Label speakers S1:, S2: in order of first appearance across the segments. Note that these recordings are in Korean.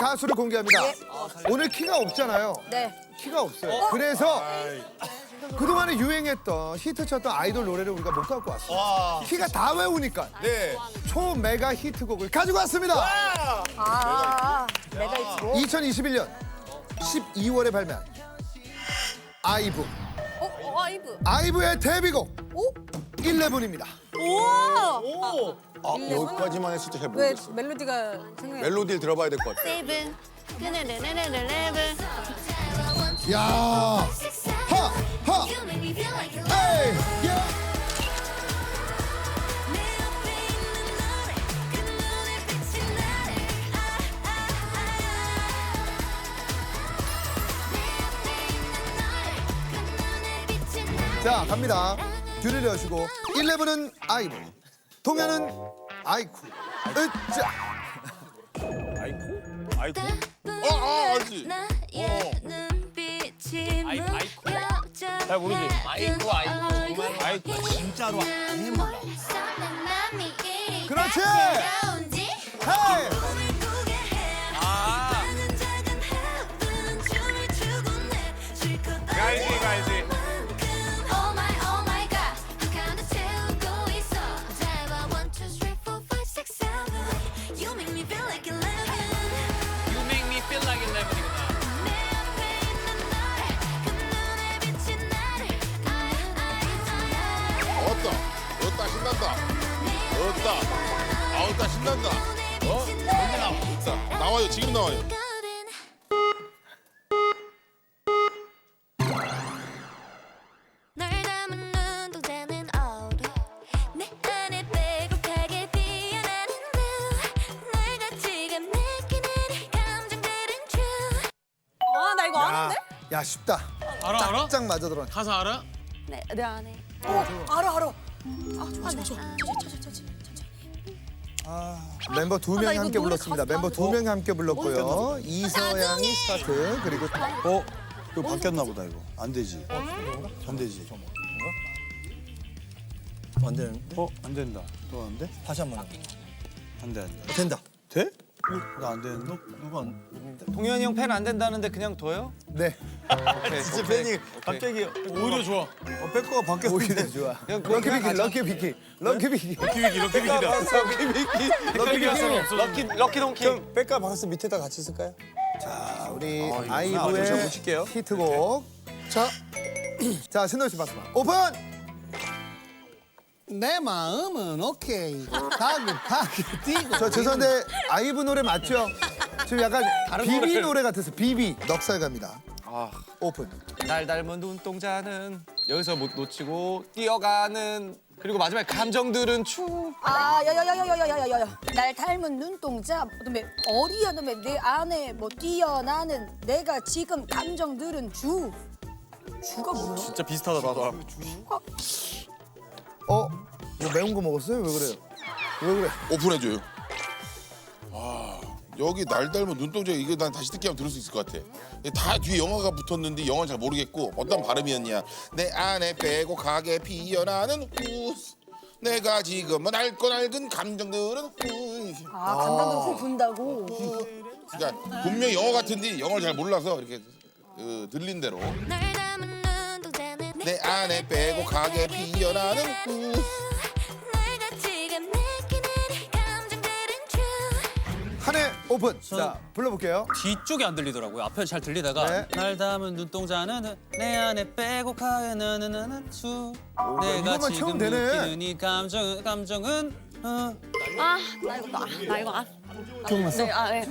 S1: 가수를 공개합니다. 오늘 키가 없잖아요.
S2: 네.
S1: 키가 없어요. 그래서 그동안에 유행했던 히트쳤던 아이돌 노래를 우리가 못 갖고 왔어요. 키가 다 외우니까
S3: 네.
S1: 초메가 히트곡을 가지고 왔습니다.
S2: 아, 내가 있고.
S1: 2021년 12월에 발매한 아이브.
S2: 아이브.
S1: 아이브의 데뷔곡
S2: 오?
S1: 11입니다.
S2: 우와!
S3: 여기까지만 했을 때 잘
S2: 왜
S3: 모르겠어.
S2: 멜로디가 생각이
S3: 멜로디를 들어봐야 될 것 같아.
S4: 세븐 네네네네네네
S1: 야, 하, 에이, 야. 자, 갑니다. 뒤를 여시고 11은 아이브, 동현은 아이쿠. 으짜.
S3: 아이고? 알지.
S5: 잘 모르지.
S4: 아이고
S5: 아이고 진짜로 아예 몰라.
S1: 그렇지. 헤이.
S5: 알지 알지. You make me feel like 11이구나.
S3: 어따 신난다. 어따 신난다. 언제 나와? 나와요. 지금 나와요.
S4: 널 담은 눈동자는 어두 내 안에 빼곡하게 피어나는 blue 내가 지금 느끼는 이 감정들은 true
S2: 아, 나 이거 아는데?
S1: 야, 쉽다.
S5: 알아?
S1: 짝 맞아 들어.
S5: 가사 알아?
S4: 내 안에
S2: 알아.
S1: 멤버 두 명이
S2: 나 이거
S1: 함께
S2: 노래
S1: 불렀습니다.
S2: 가수
S1: 멤버 두 명이 함께
S2: 어,
S1: 불렀고요. 이서양이 스타트 그리고
S6: 이거 바뀌었나 보다 이거. 안 되지. 안 되지.
S7: 안 되는데?
S6: 안 된다. 또 안 돼?
S7: 다시 한 번.
S6: 안 돼, 안 돼.
S7: 된다.
S6: 돼? 나 안 되는데?
S7: 누가 안?
S5: 동현이 형 팬 안 된다는데 그냥 둬요?
S1: 네.
S7: 진짜 팬이 갑자기
S5: 오히려 좋아.
S6: 백커가 바뀌었는데.
S1: 오히려 좋아.
S5: 그냥
S1: 럭키 비키.
S5: 럭키비키다. 럭키 동키.
S7: 형 백과 박스 밑에다 같이 쓸까요?
S1: 자, 우리
S6: 저
S1: 아이브의
S6: 붙일게요.
S1: 히트곡. 자, 신동 씨 박수. 오픈.
S7: 내 마음은 오케이. 다급하게 뛰고.
S1: 저 죄송한데 아이브 노래 맞죠? 지금 약간 비비 노래 같아서 비비 넉살 갑니다. 오픈.
S5: 날 닮은 눈동자는 여기서 못 놓치고 뛰어가는 그리고 마지막에 감정들은 추.
S2: 아, 야야야야야야야야야. 날 닮은 눈동자, 그다음에 어리야, 그다음에 내 안에 뭐 뛰어나는 내가 지금 감정들은 주. 주가 뭐야?
S5: 진짜 비슷하다 나도.
S1: 뭐 매운 거 먹었어요? 왜 그래요? 왜 그래?
S3: 오픈해줘요. 여기 날 닮은 눈동자 이거 난 다시 듣기 하면 들을 수 있을 것 같아. 다 뒤에 영어가 붙었는데 영어는 잘 모르겠고 어떤 발음이었냐. 내 안에 빼곡하게 피어나는 후스. 내가 지금 낡은 감정들은 후스.
S2: 아, 감정들 후 분다고.
S3: 그러니까 분명히 영어 같은데 영어를 잘 몰라서 이렇게 들린 대로
S4: 널 담은 눈동자는
S3: 내 안에 빼곡하게 피어나는 후스.
S4: 내가 지금 느끼는 이 감정들은 true
S1: 한해 오픈. 자, 불러볼게요.
S8: 뒤쪽이 안 들리더라고요. 앞에 잘 들리다가
S1: 네.
S8: 날 담은 눈동자는 내 안에 빼곡하게 나는 수 내가
S1: 이것만
S8: 지금
S1: 채우면 되네.
S8: 느끼는 이 감정은
S4: 나 이거
S7: 기억났어?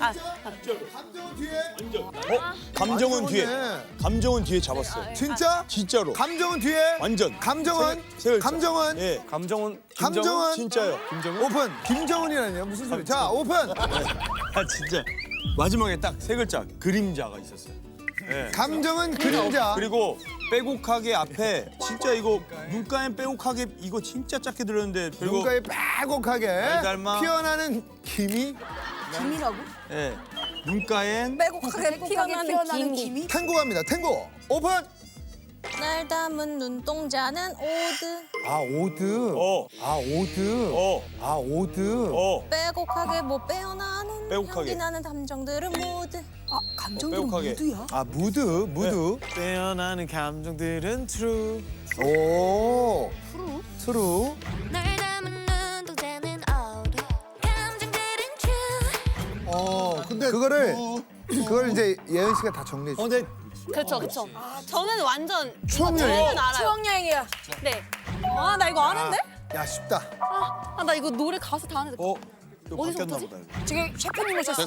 S6: 감정은 뒤에.
S1: 네.
S6: 감정은 뒤에 잡았어요.
S1: 진짜?
S6: 진짜로.
S1: 감정은 뒤에.
S6: 완전.
S1: 감정은.
S6: 세 글자.
S1: 감정은.
S6: 예.
S5: 감정은
S1: 감정은.
S6: 진짜요.
S1: 오픈. 김정은이라니요? 무슨 소리? 자, 오픈.
S6: 아 진짜. 마지막에 딱 세 글자 그림자가 있었어요. 예.
S1: 감정은 그림자.
S6: 그리고 빼곡하게 앞에 진짜 이거 눈가엔 빼곡하게 이거 진짜 작게 들었는데 그리고
S1: 눈가에 빼곡하게
S6: 닮아.
S1: 피어나는 김이.
S2: 김이라고?
S6: 예. 눈가엔
S2: 빼곡하게 피어나는 김이?
S1: 탱고 갑니다. 탱고. 오픈.
S4: 날 담은 눈동자는 오드
S1: 아, 오드.
S6: 어.
S1: 아, 오드.
S6: 어.
S1: 아, 오드.
S6: 어.
S4: 빼곡하게 뭐 빼어나는
S6: 빼곡하게.
S4: 나는 감정들은 모두
S2: 아 감정도
S6: 빼곡하게.
S2: 무드야?
S1: 아 무드.
S7: 빼어나는 감정들은 true.
S1: 오. 트루.
S4: 널 담은 눈동자는 old 감정들은 true
S1: 근데 그걸 이제 예은 씨가 다 정리해 줘.
S7: 근데
S9: 그렇죠, 그렇죠. 저는 완전
S1: 추억여행.
S9: 저는 알아요.
S2: 추억 여행이야.
S9: 네. 아, 나 이거 아는데?
S1: 야 쉽다.
S9: 아, 나 이거 노래 가사 다 아는데.
S6: 이거
S9: 어디서
S6: 바뀌었나
S9: 부르지?
S6: 보다. 이거.
S2: 지금 셰프님 오셨어.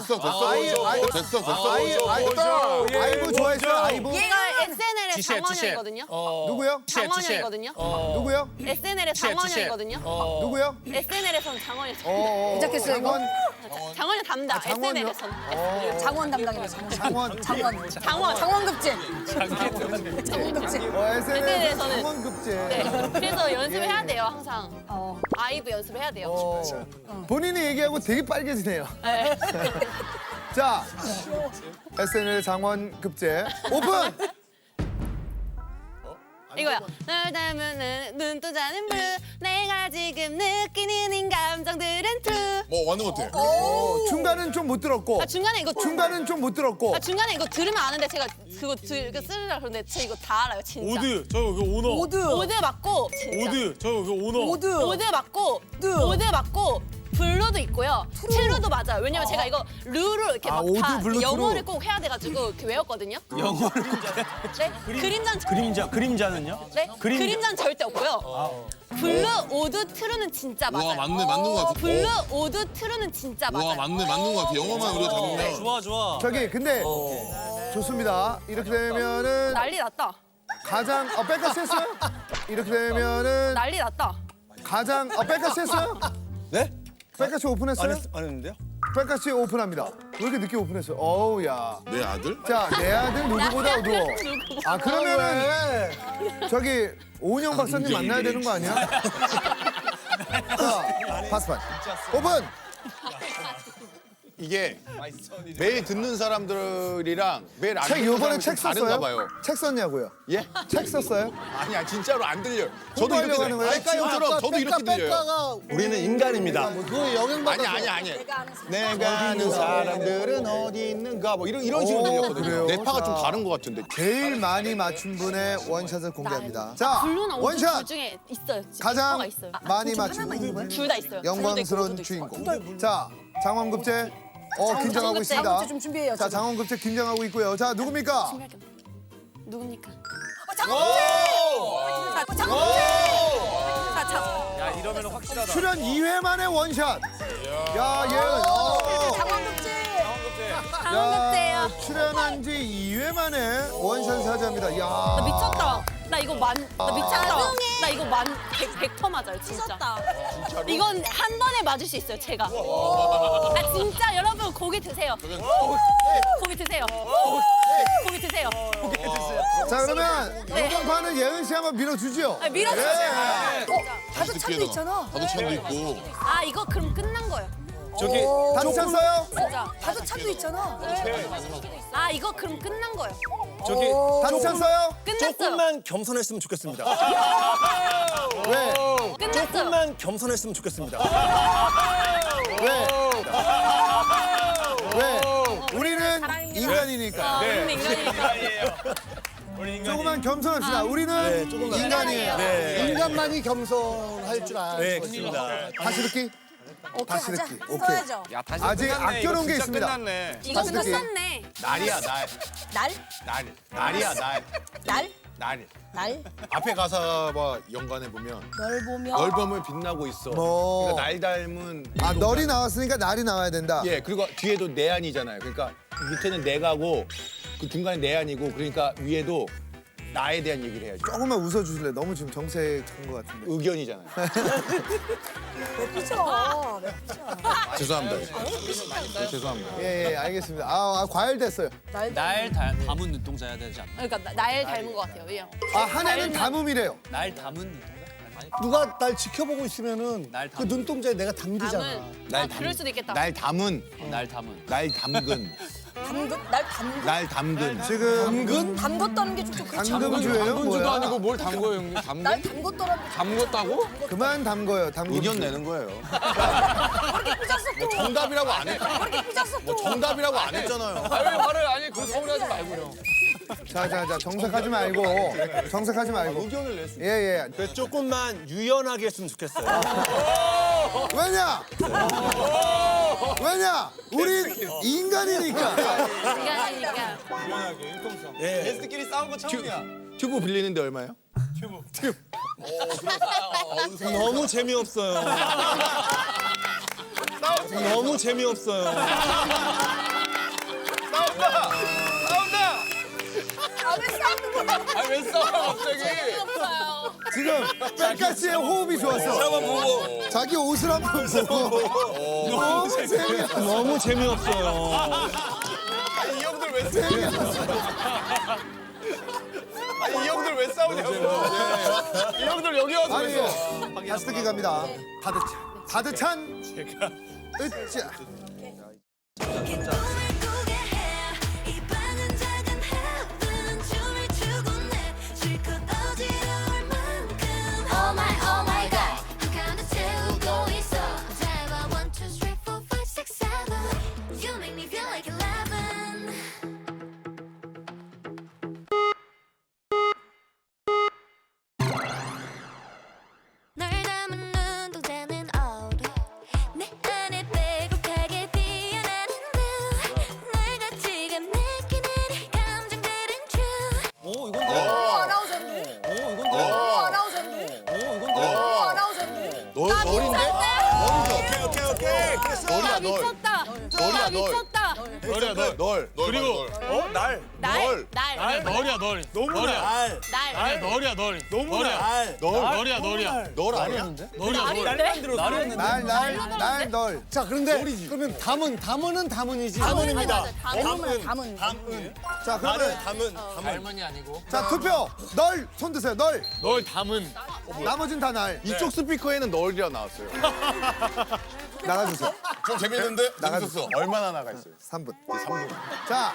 S1: 아이브 좋아했어요. 아이브.
S9: 얘가 SNL의 장원영이거든요.
S1: 누구요?
S9: 장원영이거든요.
S1: 누구요?
S9: SNL의 장원영이거든요.
S1: 누구요?
S9: SNL에서는 장원영.
S2: 시작했어요 이거?
S9: 장원영 담당.
S1: 장원요?
S9: SNL에서는.
S2: 장원 담당이네.
S1: 장원.
S2: 장원급제. 장원급제.
S1: SNS에서는 장원급제.
S9: 네. 그래서 연습해야 돼요, 항상.
S2: 어.
S9: 아이브 연습해야 돼요.
S1: 본인이 얘기하고 되게 빨개지네요.
S9: 네.
S1: 자, SNL 장원급제 오픈.
S9: 이거야. 널 닮은 눈동자는 blue. 내가 지금 느끼는 이 감정들은 true.
S3: 뭐 하는 것 같아.
S1: 중간은 좀 못 들었고.
S9: 아, 중간에 이거
S1: 중간은 좀 못 들었고.
S9: 아, 중간에 이거 들으면 아는데 제가 그거 쓰려고 그러는데 저 이거 다 알아요, 진짜.
S7: 저 여기 오너.
S2: 오드.
S9: 맞고 진짜.
S7: 저 여기 오너.
S2: 오드.
S9: 맞고 오드 맞고 블루도 있고요. 트루도 맞아요. 왜냐면 제가 이거 루를 이렇게
S1: 아,
S9: 막
S1: 오드,
S9: 다
S1: 블루,
S9: 영어를
S1: 트루.
S9: 꼭 해야 돼가지고 이렇게 외웠거든요.
S6: 영어를
S9: 네?
S6: 그림자는요?
S9: 네? 그림자는 절대 없고요. 블루, 오드, 트루는 진짜 맞아요.
S3: 와 맞는 것 같아.
S9: 블루, 오드, 트루는 진짜 맞아요.
S3: 와 맞는 것 같아. 영어만 우리가 잡으면.
S8: 좋아.
S1: 저기 근데 좋습니다. 이렇게 되면은
S9: 난리 났다.
S1: 가장 백까지 했어요? 이렇게 되면은
S9: 난리 났다.
S1: 가장 백까지 했어요?
S7: 네?
S1: 백까지 오픈했어요?
S7: 안 했는데요?
S1: 백까지 오픈합니다. 왜 이렇게 늦게 오픈했어요? 어우 야.
S3: 내 아들?
S1: 자, 내 아들 누구보다 어두워. 아 그러면은 저기 오은영 박사님 만나야 되는 거 아니야? 자, 파스판 오픈.
S10: 이게 매일 듣는 사람들이랑 매일 안
S1: 책
S10: 듣는
S1: 이번에
S10: 사람이
S1: 책
S10: 좀 다른가
S1: 썼어요?
S10: 봐요.
S1: 책 썼냐고요?
S10: 예?
S1: 책 썼어요?
S10: 아니야 진짜로 안 들려요. 저도 이렇게
S1: 홍보하려고 하는 거예요?
S10: 들려요. 지금처럼 저도 이렇게 들려요.
S7: 우리는 인간입니다.
S10: 아니. 내가 아는 사람들은 어디 있는가 뭐 이런 식으로 들렸거든요.
S1: 그래요?
S10: 뇌파가 좀 다른 것 같은데.
S1: 제일 많이 맞춘 분의 원샷을 공개합니다. 자,
S9: 블루나 오드
S1: 원샷
S9: 둘 중에 있어요.
S1: 가장
S9: 뭐가 있어요.
S1: 많이 맞춘 분.
S9: 둘 다 있어요.
S1: 영광스러운 주인공. 자, 장원급제. 긴장하고 있습니다.
S2: 장원급제 좀 준비해요,
S1: 자,
S2: 지금.
S1: 장원급제 긴장하고 있고요. 자, 누굽니까?
S9: 누굽니까?
S8: 야, 이러면 확실하다.
S1: 출연 2회 만에 원샷. 야, 예은.
S2: 장원급제.
S9: 장원급제예요.
S1: 출연한 지 2회 만에 원샷 사자입니다.
S9: 나
S1: 야.
S9: 미쳤다. 나 이거 나 미쳤다. 나 이거 100% 맞아요, 진짜. 이건 한 번에 맞을 수 있어요, 제가. 아 진짜 여러분 고기 드세요. 고기 드세요. 고기 드세요.
S1: 자, 그러면
S9: 네.
S1: 이번 판은 예은 씨 한번 밀어주죠.
S9: 아, 밀어주세요.
S2: 다도 찬도 있잖아.
S3: 나도 찬도 있고.
S9: 아 이거 그럼 끝난 거예요.
S1: 다시 찼어요?
S9: 진짜.
S2: 다도 찬도 있잖아.
S9: 아 이거 그럼 끝난 거예요.
S1: 다시 찼어요?
S9: 끝났어요.
S7: 조금만 겸손했으면 좋겠습니다.
S1: 왜?
S9: 끝났어요.
S7: 조금만 겸손했으면 좋겠습니다.
S1: 왜? 왜? 우리는 인간이니까.
S9: 우리는 인간이니까.
S1: 조금만 겸손합시다. 우리는 인간이에요.
S7: 인간만이 겸손할 줄 아는
S6: 네, 그렇습니다.
S1: 다시 듣기?
S2: 오케이,
S1: 다시
S2: 가자.
S1: 듣기. 오케이.
S2: 써야죠.
S8: 야, 다시
S1: 아직
S8: 끝났네.
S1: 아껴놓은
S8: 이거
S1: 게
S8: 진짜
S1: 있습니다.
S8: 끝났네.
S9: 이거
S1: 다시 듣기.
S9: 끝났네.
S10: 날이야 날. 날이야 날.
S2: 날?
S10: 앞에 가사 봐 연관해 보면
S2: 널 보며.
S10: 널 보면 빛나고 있어.
S1: 뭐.
S10: 그러니까 날 닮은.
S1: 아, 널이 나왔으니까 날이 나와야 된다.
S10: 예 그리고 뒤에도 내안이잖아요. 그러니까 밑에는 내가고 그 중간에 내안이고 그러니까 위에도 나에 대한 얘기를 해야죠.
S1: 조금만 웃어주실래요? 너무 지금 정색한 것 같은데.
S10: 의견이잖아요.
S2: 그쵸.
S10: 죄송합니다. 죄송합니다.
S1: 예, 알겠습니다. 과열됐어요.
S8: 날 담은 눈동자 해야 되지 않나?
S9: 그러니까 날 닮은 것 같아요. 왜요?
S1: 한 해는 담음이래요.
S8: 날 담은 눈동자? 아니,
S7: 누가 날 지켜보고 있으면은
S8: 날
S7: 그
S8: 담은.
S7: 눈동자에 내가 담기잖아.
S9: 담은. 그럴 수도 있겠다.
S10: 날 담은.
S8: 날 담은.
S10: 날 담근.
S2: 날 담근?
S10: 날 담근.
S1: 지금
S2: 담궜다는 게 좀 그렇지 않아?
S1: 담금주예요? 뭐야?
S5: 뭘 담궈요, 형님?
S2: 날 담궜더라는 게
S5: 담궜다고?
S1: 그만 담궈요. 담금.
S10: 의견 내는 거예요.
S2: 그렇게 삐졌어 또.
S6: 정답이라고 안 했.
S2: 그렇게 삐졌어 또.
S6: 정답이라고 안 했잖아요.
S5: 왜 화를 아니 그 서운하지 말고요.
S1: 자, 정색하지 말고. 정색하지 말고.
S6: 의견을 낼 수.
S1: 예.
S7: 조금만 유연하게 했으면 좋겠어요.
S1: 왜냐? 우린 인간이니까.
S9: 인간이니까.
S5: 게스트끼리 싸운 거 처음이야.
S10: 튜브 빌리는데 얼마예요?
S6: 너무 재미없어요. 너무 재미없어요.
S2: 아왜 싸우는 거야?
S5: 아니 왜 싸워 갑자기?
S9: 없어요.
S1: 지금 백가씨의 호흡이 좋았어. 자기 옷을 한번 보고. 너무 재미없어.
S6: 너무 재미없어요.
S5: 아니 이 형들 왜 싸우냐고. 아니 이 형들 왜 싸우냐고. 이 형들 여기 와서 왜 싸워?
S1: 아니, 다시 듣기 갑니다. 가득찬. 으쌰.
S4: 꿈을 꾸게 해. 이 방은 작은 heaven. 춤을 추고 내 실컷 어지러울 만큼. Oh my god. 한칸을 채우고 있어. 잘 봐. 1, 2, 3, 4, 5, 6, 7. You make me feel like 11. 널 담은 눈동자는 old. 내 안에 빼곡하게 피어나는 blue. 내가 지금 느끼는 이 감정들은 true.
S8: 오 이건데.
S2: 아나운서인데?
S8: 오 이건데.
S2: 아나운서인데?
S8: 오 이건데.
S2: 아나운서인데?
S10: 널인데?
S7: 오케이.
S10: 널이야 널.
S9: 미쳤다.
S10: 널이야 널.
S9: 미쳤다.
S5: 너리야 널.
S10: 널.
S5: 그리고
S6: 날.
S9: 날.
S5: 아니 너리야 널.
S6: 너무 날.
S9: 날.
S5: 너리야 널.
S6: 너무 날.
S5: 너리야 너리야.
S10: 널 아니야?
S5: 너리야 널.
S6: 날만 들었어.
S1: 날, 널.
S7: 자, 그런데 그러면 담은 담은이지. 담은입니다.
S2: 담은.
S1: 자, 그러면
S5: 할머니 아니고.
S1: 자, 투표. 널 손 드세요. 널.
S5: 널 담은.
S1: 나머진 다 날.
S10: 이쪽 스피커에는 널이라 나왔어요.
S1: 나가주세요.
S3: 좀 재밌는데?
S1: 나가주세요.
S10: 얼마나 나가 있어요?
S1: 3분.
S10: 3분.
S1: 자,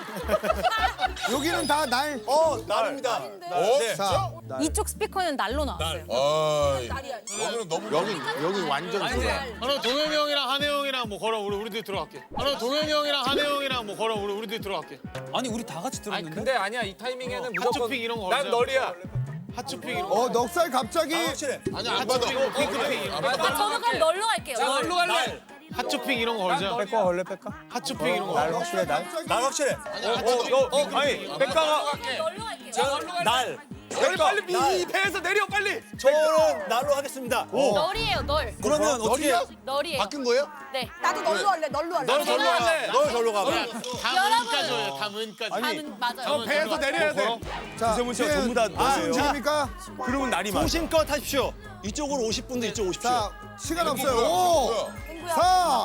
S1: 여기는 다 날.
S6: 날입니다.
S3: 어?
S1: 자,
S9: 이쪽 스피커는 날로 나왔어요.
S3: 아이.
S2: 날이야.
S3: 여기는 너무
S10: 여기 완전 좋아.
S5: 하나 동현이 형이랑 한혜 형이랑 뭐 걸어 우리들이 들어갈게. 하나 동현이 형이랑 한혜 형이랑 뭐 걸어 우리들이 들어갈게.
S8: 아니 우리 다 같이
S5: 아니
S8: 들었는데.
S5: 근데 아니야 이 타이밍에는 무조건 핫초핑 이런 거 걸자. 난 널이야. 핫초핑 이런 거.
S1: 넉살 갑자기.
S3: 아니 안 받아.
S5: 핑크핑 이런 거.
S9: 아, 저는 그럼 널로 갈게요.
S5: 널로 갈래. 핫초핑 이런 거 걸자.
S6: 백과 걸래 백과?
S5: 핫초핑 이런 거.
S6: 날 확실해 날. 날 확실해. 아니 백과가
S9: 널로 갈게요.
S6: 날.
S5: 빨리 빨리 이 배에서 내려 빨리.
S7: 저는 날로 하겠습니다.
S9: 널이에요, 널.
S7: 그러면 어떻게
S9: 널이에요.
S10: 바뀐 거예요?
S9: 네.
S2: 나도 널로 할래. 널로 할래.
S5: 널 절로 할래.
S6: 널 절로 가봐.
S5: 담은까지 해요. 담은까지.
S9: 담은 맞아요.
S5: 저 배에서 내려야 돼.
S1: 자,
S6: 이세문 씨가 전부 다
S1: 무슨
S6: 너예요.
S1: 움직입니까?
S6: 그러면 날이 많아.
S7: 소신껏 하십시오. 이쪽으로 오실 분들 이쪽 오십시오.
S1: 자, 시간 없어요. 5, 4,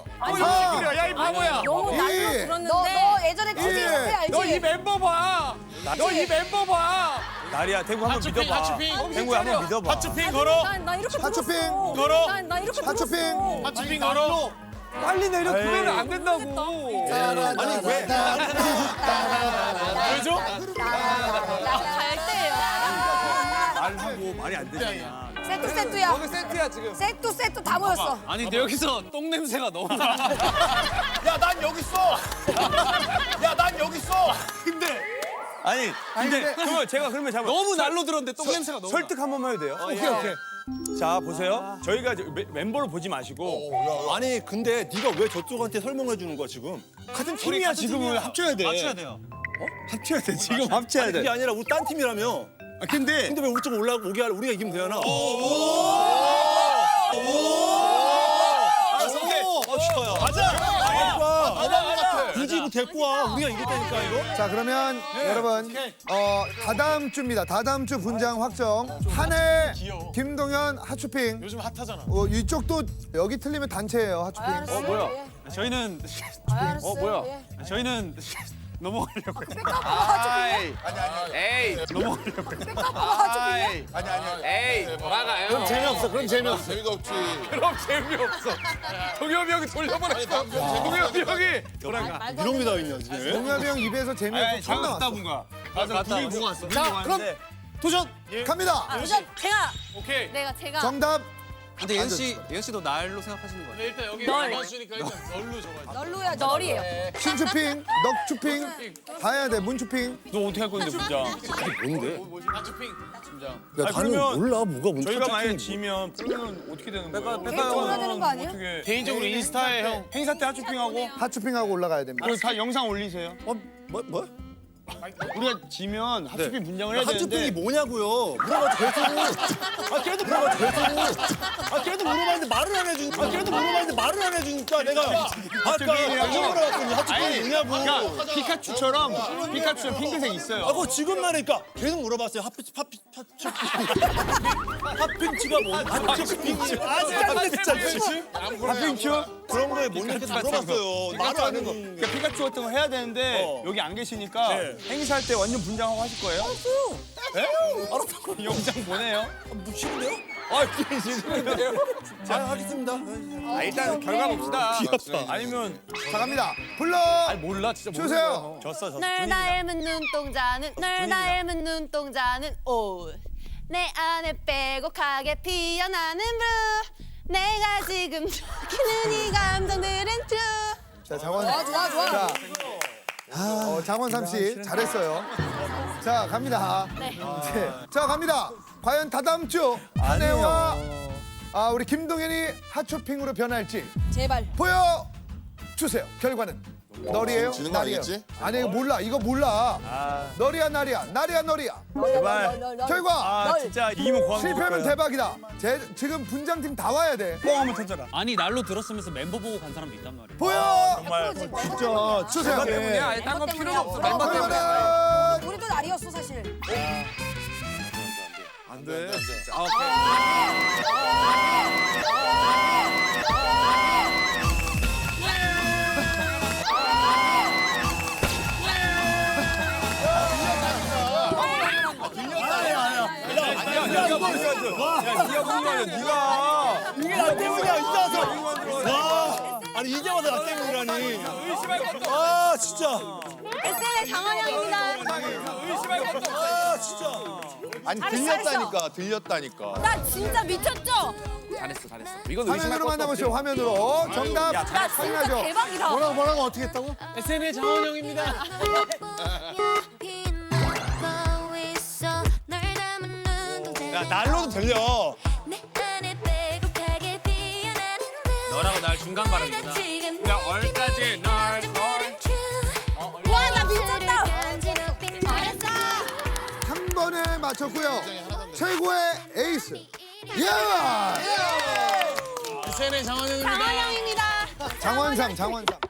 S5: 야이 바보야.
S2: 너무
S1: 이.
S2: 날로 들었는데. 너 예전에 TV 카페 알지?
S5: 너 이 멤버 봐. 너 이 멤버 봐.
S6: 날이야 대구 한번
S5: 핫초핑,
S6: 믿어봐.
S5: 핫초핑.
S6: 대구 한번 믿어봐.
S5: 핫초핑 걸어.
S2: 나 이렇게
S1: 핫초핑
S2: 들었어.
S5: 걸어.
S2: 나 이렇게
S1: 핫초핑.
S2: 들었어.
S5: 핫초핑 걸어. 빨리 내려. 그러면 안 된다고.
S6: 아니 왜?
S5: 왜죠?
S9: 갈 때예요.
S6: 말하고 말이 안 되잖아.
S2: 세트야.
S5: 여기 세트야 지금.
S2: 세트 다 모였어.
S8: 아니 근데 여기서 똥 냄새가 너무 나.
S6: 야 난 여기 있어. 야 난 여기 있어. 아니 근데 그러면 제가 그러면 잠깐
S8: 너무 날로 들었는데 똥 냄새가 너무.
S6: 설득 한 번만 해도 돼요? 오케이. 자 보세요. 저희가 이제 멤버를 보지 마시고
S7: 아니 근데 네가 왜 저쪽한테 설명해 주는 거야 지금?
S6: 같은 팀이야 지금은 합쳐야 돼.
S8: 맞춰야 돼요.
S6: 합쳐야 돼. 지금 합쳐야 돼.
S7: 그게 아니라 우리 딴 팀이라며.
S6: 근데
S7: 근데 왜 우리 쪽 오게 하려 우리가 이기면 되잖아. 좋아요.
S6: 맞아.
S7: 굳이 이거 데리고 와. 우리가 이겼다니까 이거.
S1: 자, 그러면 여러분, 다다음 주입니다. 다다음 주 분장 확정. 한해, 김동현, 핫쇼핑.
S5: 요즘 핫하잖아.
S1: 이쪽도 여기 틀리면 단체예요, 핫쇼핑.
S8: 뭐야? 저희는
S2: 뭐야?
S8: 저희는 넘어가려고.
S5: 에이. 에이. 돌아가요.
S7: 그럼 재미없어. 그럼 재미없어.
S3: 재미가 없지.
S5: 그럼 재미없어. 동엽이 형이 돌려보냈어. 동엽이 형이 돌아가.
S7: 이런 게 다 있냐 지금.
S1: 동엽이 형 입에서 재미없어 처음 나왔어.
S5: 맞아. 둘이 보고 왔어.
S1: 자, 그럼 도전 갑니다.
S9: 우선 제가
S5: 오케이.
S9: 제가
S1: 정답
S5: 근데 예은 씨도 날로 생각하시는 거예요?
S6: 일단 여기
S9: 널.
S6: 맞추니까 일단 널로 적어야 돼.
S2: 널로야
S9: 널이에요.
S1: 신추핑, 넉추핑 다 해야 돼. 문추핑.
S6: 너 어떻게 할 건데 문장?
S7: 뭔데?
S6: 하추핑 문장.
S7: 야, 나는
S6: 그러면
S7: 몰라. 뭐가 뭔지.
S6: 저희가 만약에 지면 그러면 어떻게 되는 거예요?
S2: 개인적으로 되는 거 아니에요?
S6: 어떻게 개인적으로 인스타에 형 행사 때 하추핑하고
S1: 하추핑하고 올라가야 됩니다.
S6: 그리고 다 영상 올리세요.
S7: 뭐?
S6: 우리가 지면 하추핑 분장을 해야
S7: 하츄핑이
S6: 되는데
S7: 뭐냐고요? 물어봐도 계속. 걔도 물어봐도 계속. 걔도 물어봤는데 말을 안 해주니까. 걔도 물어봤는데 말을 안 해주니까 내가 아까 물어봤더니 하츄핑이 뭐냐고.
S6: 그러니까 피카츄처럼 핑크색 있어요.
S7: 아, 그거 지금 말하니까 계속 물어봤어요. 핫핑치가 뭔지. 핫핑치. 아, 진짜.
S6: 핫핑츄?
S7: 그런 거에 못 이렇게 물어봤어요. 말을 안 해도.
S6: 그러니까 피카츄 같은 거 해야 되는데 여기 안 계시니까 행사할 때 완전 분장하고 하실 거예요? 알았어. 영상 보내요.
S7: 싫은데요?
S6: 싫은데요?
S7: 자, 하겠습니다.
S6: 일단 결과 봅시다.
S7: 귀엽다.
S6: 아니면
S1: 자 갑니다. 불러
S6: 몰라 진짜
S1: 주세요.
S7: 졌어.
S9: 널 닮은 눈동자는 널 닮은 눈동자는 옷내 안에 빼곡하게 피어나는 blue 내가 지금 느끼는 이 감정들은 true
S1: 자 장원.
S2: 좋아.
S1: 자, 장원삼 씨 잘했어요. 자 갑니다.
S9: 네.
S1: 네. 자 갑니다. 과연 다다음 주 한혜와 우리 김동현이 핫쇼핑으로 변할지
S2: 제발.
S1: 보여 주세요. 결과는 널이에요?
S3: 지는 거
S1: 날이에요?
S3: 아니겠지?
S1: 아니 이거 몰라. 이거 몰라. 널이야 날이야. 날이야 널이야.
S2: 널.
S1: 결과
S2: 널.
S6: 진짜 이기면 고항
S1: 실패하면 대박이다. 지금 분장팀 다 와야 돼.
S6: 뽕 한번 터져라.
S8: 아니 날로 들었으면서 멤버 보고 간 사람도 있단 말이야.
S1: 보여
S7: 정말.
S1: 진짜 주세요.
S5: 아예 딴건 필요는 없어. 멤버 때문에.
S1: 결과는
S2: 우리도 날이었어 사실.
S3: 안 돼.
S7: 이게 나 때문이야. 이제 와서. 와. 아니 이제 와서 나 때문이라니. 아 진짜.
S9: SNS 장원영입니다
S7: 아 진짜.
S10: 아니 들렸다니까.
S9: 나 진짜 미쳤죠?
S5: 잘했어. 이건 의심할
S1: 화면으로
S5: 것도
S1: 만나보시죠. 화면으로 정답
S9: 나 진짜
S1: 확인하죠.
S9: 대박이다
S7: 뭐라고 어떻게 했다고?
S8: SNS 장원영입니다.
S7: 야 날로도 들려.
S8: 너라고 날 중간 발음이다.
S6: 야 얼까지 널
S9: 와 나 미쳤다
S1: 한 번에 맞췄고요. 최고의 에이스. 예!
S6: SNS 장원영입니다.
S9: 장원영입니다
S1: 장원상.